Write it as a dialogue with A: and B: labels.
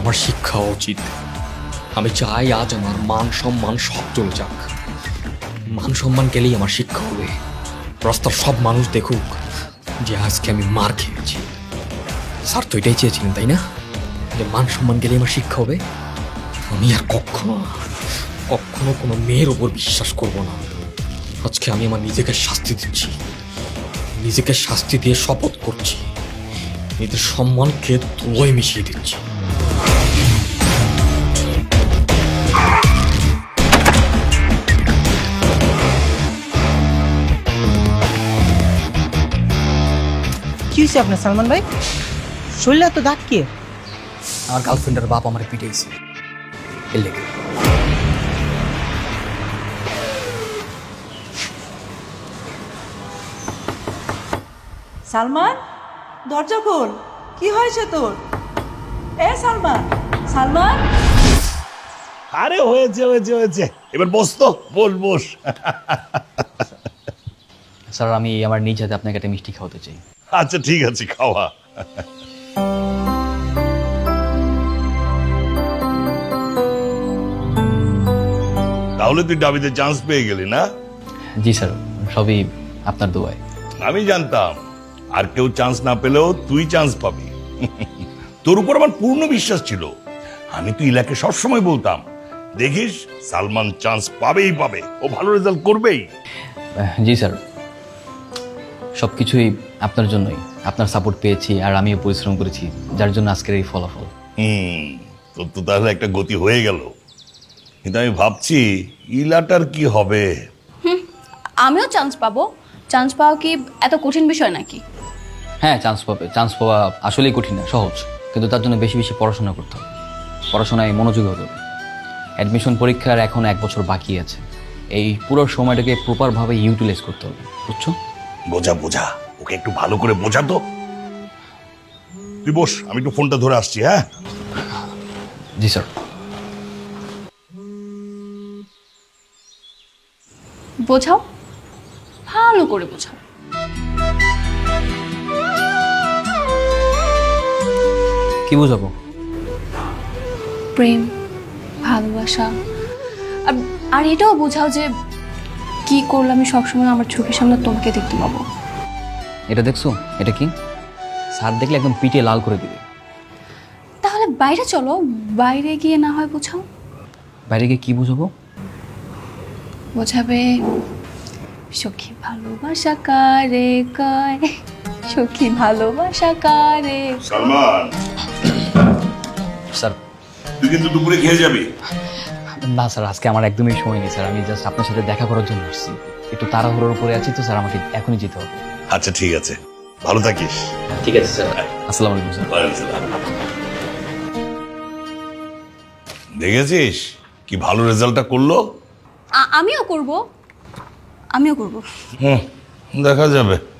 A: আমার শিক্ষা উচিত। আমি চাই আজ আমার মান সম্মান সব চলে যাক। মান সম্মান গেলেই আমার শিক্ষা হবে। রাস্তার সব মানুষ দেখুক যে আজকে আমি মার খেয়েছি। স্যার তো এটাই চেয়েছিলেন, তাই না? যে মান সম্মান গেলেই আমার শিক্ষা হবে। আমি আর কখনো কখনো কোনো মেয়ের ওপর বিশ্বাস করব না। আজকে আমি আমার নিজেকে শাস্তি দিচ্ছি, নিজেকে শাস্তি দিয়ে শপথ করছি, নিজের সম্মানকে ধুলোয় মিশিয়ে দিচ্ছি।
B: কি হয়েছে আপনার সালমান ভাই? শরীরে এত দাগ কে?
A: আমার গার্লফ্রেন্ডের বাপ আমার পিটাইছে। এর লেগে
C: সালমান, দরজা খোল। কি হয়েছে তোর? এ সালমান, সালমান।
D: আরে হয়েছে হয়েছে হয়েছে, এবার বস তো, বস বস।
E: স্যার, আমি আমার নিজ হাতে আপনাকে একটা মিষ্টি খাওয়াতে চাই।
D: আচ্ছা ঠিক আছে, খাওয়া। তাহলে তুই ডাবিতে চান্স পেয়ে গেলি না?
E: জি স্যার, সবই আপনার দোয়ায়।
D: আমি জানতাম আর কেউ চান্স না পেলেও তুই চান্স পাবি। তোর উপর আমার পূর্ণ বিশ্বাস ছিল। আমি তো ইলাকে সবসময় বলতাম, দেখিস সালমান চান্স পাবেই পাবে, ও ভালো রেজাল্ট করবেই।
E: জি স্যার, সব কিছুই আপনার জন্যই। আপনার সাপোর্ট পেয়েছি আর আমিও পরিশ্রম করেছি, যার জন্য আজকের এই ফলাফল।
D: তোর তো তাহলে একটা গতি হয়ে গেল। কিন্তু আমি ভাবছি ইলাটার কি হবে।
F: আমিও চান্স পাবো। চান্স পাওয়া কি এত কঠিন বিষয় নাকি?
E: হ্যাঁ, চান্স পাবে। চান্স পাওয়া আসলেই কঠিন না, সহজ। কিন্তু তার জন্য বেশি বেশি পড়াশোনা করতে হবে, পড়াশোনায় মনোযোগী হতে হবে। অ্যাডমিশন পরীক্ষার এখন 1 বছর বাকি আছে। এই পুরো সময়টাকে প্রপারভাবে ইউটিলাইজ করতে হবে, বুঝছো?
D: বোঝা বোঝা, ওকে একটু ভালো করে বোঝা তো। তুই বস, আমি একটু ফোনটা ধরে আসছি। হ্যাঁ
E: জি স্যার।
F: বোঝাও, ভালো করে বোঝাও।
E: কি বুঝাবো?
F: প্রেম, ভালোবাসা, আর এটাও বোঝাও যে কি করলে আমি সবসময় আমার চোখের সামনে তোমাকে দেখতে পাবো।
E: এটা দেখছো? এটা কি? স্যার দেখলে একদম পিটে লাল করে দিবে।
F: তাহলে বাইরে চলো, বাইরে গিয়ে না হয় বোঝাও।
E: বাইরে গিয়ে কি বুঝাবো?
F: বোঝাবে সখী ভালোবাসা কারে কয়, সখী ভালোবাসা কারে।
D: সালমান,
E: স্যার,
D: তুই কিন্তু দুপুরে খেয়ে যাবি।
E: না স্যার, আজকে আমার একদমই সময় নেই স্যার। আমি জাস্ট আপনার সাথে দেখা করার জন্য আসছি। একটু তাড়াহুড়োর উপরে আছি তো স্যার, আমাকে এখনই যেতে হবে।
D: আচ্ছা ঠিক আছে, ভালো থাকিস।
E: ঠিক আছে স্যার, আসসালামু আলাইকুম স্যার।
D: দেখেছিস কি ভালো রেজাল্টটা করলো।
F: আমিও করব, আমিও করব।
D: দেখা যাবে।